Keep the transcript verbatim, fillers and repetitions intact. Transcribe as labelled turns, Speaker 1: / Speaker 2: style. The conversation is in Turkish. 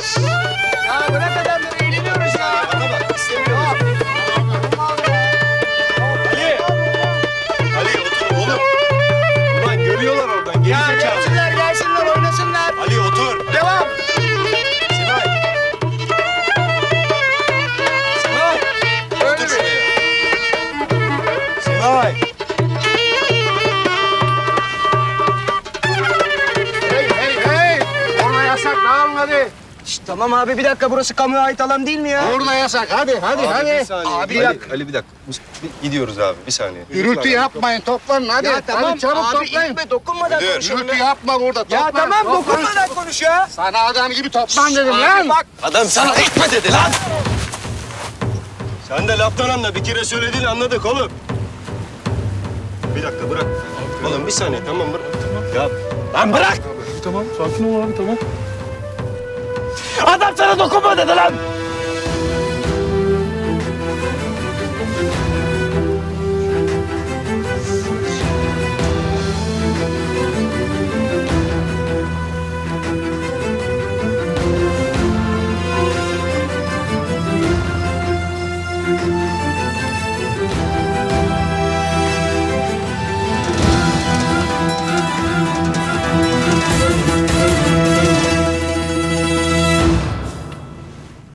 Speaker 1: Ya bırak adamları, eğleniyoruz ya.
Speaker 2: Bana bak, istemiyorum. Ali! Ali otur oğlum. Ulan görüyorlar oradan, geri
Speaker 1: Ya
Speaker 2: zekalı.
Speaker 1: gelsinler, gelsinler, oynasınlar.
Speaker 2: Ali otur.
Speaker 1: Devam.
Speaker 2: Simay. Simay. Otur şuraya. Simay.
Speaker 1: Hey, hey, hey. Orada yasak, dağılın hadi. Şişt, tamam abi, bir dakika. Burası kamuya ait alan değil mi ya? Orada yasak, hadi, hadi,
Speaker 2: Abi
Speaker 1: hadi.
Speaker 2: bir saniye.
Speaker 1: Abi,
Speaker 2: Ali,
Speaker 1: yak.
Speaker 2: Ali bir dakika. Biz- bir Gidiyoruz abi, bir saniye.
Speaker 1: Gürültü yapmayın, toplanın hadi. Ya tamam
Speaker 3: hadi çabuk
Speaker 1: abi,
Speaker 3: toplayın.
Speaker 1: itme, dokunmadan
Speaker 2: Müdür.
Speaker 1: konuşalım.
Speaker 3: Gürültü yapma burada.
Speaker 1: Ya
Speaker 3: toplan,
Speaker 1: tamam,
Speaker 3: toplan.
Speaker 1: dokunmadan konuş ya.
Speaker 3: Sana adam gibi toplan dedim
Speaker 1: Abi
Speaker 3: lan.
Speaker 1: bak.
Speaker 2: Adam sana itme dedi lan! Sen de laftan anla. Bir kere söylediğini anladık oğlum. Bir dakika bırak. Oğlum bir saniye tamam bırak. Ya lan bırak!
Speaker 4: Tamam, sakin ol abi, tamam.
Speaker 2: Adam sana dokunma dedi lan!